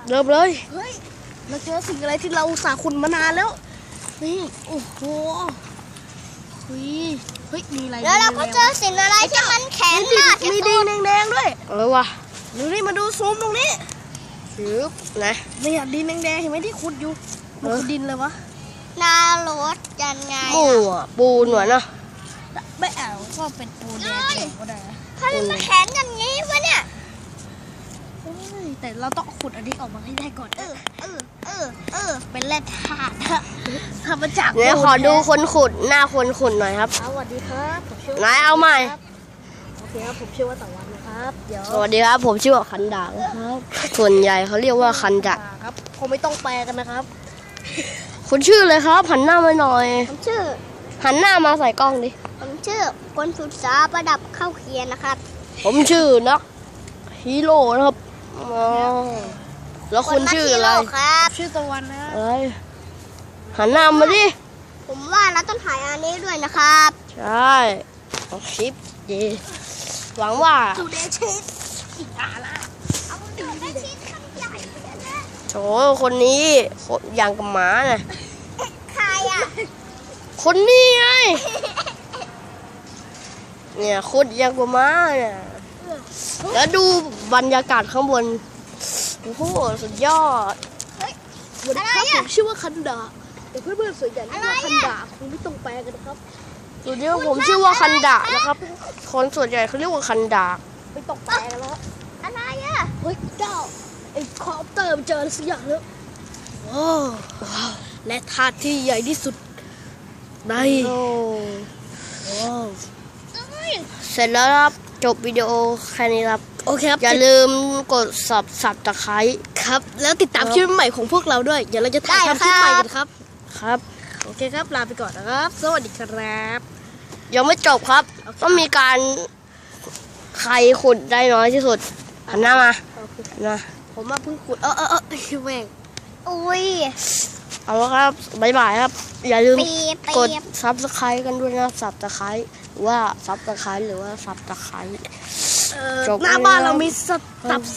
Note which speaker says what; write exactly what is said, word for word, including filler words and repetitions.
Speaker 1: เริ่มเลย
Speaker 2: เฮ้ยเราเจอสิ่งอะไรที่เราอุตส่าห์ขุดมานานแล้วนี่โอ้โหเฮ้ยเฮ้ยมีอะไร
Speaker 3: แล้วเราก็เจอสิ่งอะไรที่มันแข็งมากที่
Speaker 2: มี
Speaker 3: สุ
Speaker 2: ดิ
Speaker 3: ด
Speaker 2: นแดงๆด้วย
Speaker 1: เออว่ะ
Speaker 2: ดูนี่มาดูซูมตรงนี้
Speaker 1: ชืบนะ
Speaker 2: เนี่ยดินแดงๆเห็นไหมที่ขุดอยู่มันคือดินเลยวะ
Speaker 3: นารถยังไง
Speaker 1: หมูอ่ะปูนหน่อยนะ
Speaker 2: ไม่เอาก็เป็นปูนแดงก็ได้นะ
Speaker 3: ถ้ามันมาแข็งอย่างนี้วะเนี่ย
Speaker 2: เฮ้ยแต่เราต้องขุดอันนี้ออกมาให้ได้ก่อน
Speaker 3: เออเออเออเออ
Speaker 2: เป็นแร่ธาตุนะทำมาจาก
Speaker 1: เดี๋ยวขอดูคนขุดหน้าคนขุดหน่อยครับ
Speaker 2: สวัสดีครับผมชื่อ
Speaker 1: ไหนเอาใหม่
Speaker 2: โอเคครับผมชื่อว่าตะวันนะครับเดี๋ยว
Speaker 1: สวัสดีครับผมชื่อว่าคันดาครับ ส่วนใหญ่เขาเรียกว่าคันดา
Speaker 2: ครับคงไม่ต้องแปลกันนะครับ
Speaker 1: คุณชื่อเลยครับหันหน้ามาหน่อย
Speaker 3: ผมชื่อ
Speaker 1: หันหน้ามาใส่กล้องดิ
Speaker 3: ผมชื่อคนศึกษาประดับเข้าเขียนนะครับ
Speaker 1: ผมชื่อนักฮีโร่นะครับอ๋อแล้วคุณชื่ออะไร
Speaker 3: นนักฮีโครับ
Speaker 2: ชื่อตะวันนะ
Speaker 1: อะไรหันหน้ามาดิ
Speaker 3: ผมว่าเราต้องถ่ายอันนี้ด้วยนะครับ
Speaker 1: ใช่เอาคลิปดีหวังว่า
Speaker 2: จูเดชิสอีกอ่ะละ
Speaker 3: เอาดูได้ชิ้นข้างใหญ่เลยนะ
Speaker 1: โถคนนี้คนอย่างกับหมาน่ะ
Speaker 3: ใครอ่ะ
Speaker 1: คนนี้ไงเนี่ยโคตรอย่างกับหมาเนี่ยแล้วดูบรรยากาศข้างบนโอ้โหสุดยอด
Speaker 2: สวัสดีครับผมชื่อว่าคันดาแต่เพื่อนๆส่วนใหญ่เรียกว่าคันดาคงไม่ต้องแปลกันนะครับ
Speaker 1: ดูดิว่าผมชื่อว่าคันดะนะครับ คนส่วนใหญ่เขาเรียกว่าคันดะ
Speaker 2: ไม่ต้องแปลกันแล้ว
Speaker 3: อะไรอ่ะ
Speaker 2: เฮ้ยเจ้าไอ้คอปเตอร์มันเจออะไรสักอย่างแล้วว้าวและธาตุที่ใหญ่ที่สุดใน
Speaker 1: โอ้
Speaker 2: ว้าว
Speaker 1: เสร็จแล้วครับจบวิดีโอแค่นี้ครับ
Speaker 2: โอเคครับ
Speaker 1: อย่าลืมกดสับสับตะไคร้
Speaker 2: ครับ แล้วติดตามคลิปใหม่ของพวกเราด้วย เดี๋ยวเราจะถ่ายทำคลิปใหม่กันครับ
Speaker 1: ครับ
Speaker 2: โอเคครับ ลาไปก่อนนะครับ สวัสดีครับ
Speaker 1: ยังไม่จบครับต้องมีการใครขุดได้น้อยที่สุดหันหน้ามา
Speaker 2: โอเค
Speaker 1: หันหน้า
Speaker 2: ผมมาเพิ่งขุด เออเออเออแม่ง
Speaker 3: อุ้ย
Speaker 1: เอาละครับบ๊ายบายครับ อย่าลืม
Speaker 3: ปีบ
Speaker 1: กด
Speaker 3: ปีบ
Speaker 1: ซับสไครต์กันด้วยนะซับตะไคร้ว่าซับตะไคร้หรือว่าซับตะไคร้
Speaker 2: เอ่อ
Speaker 1: จบ
Speaker 2: หน้าบ้านเรามีสตับ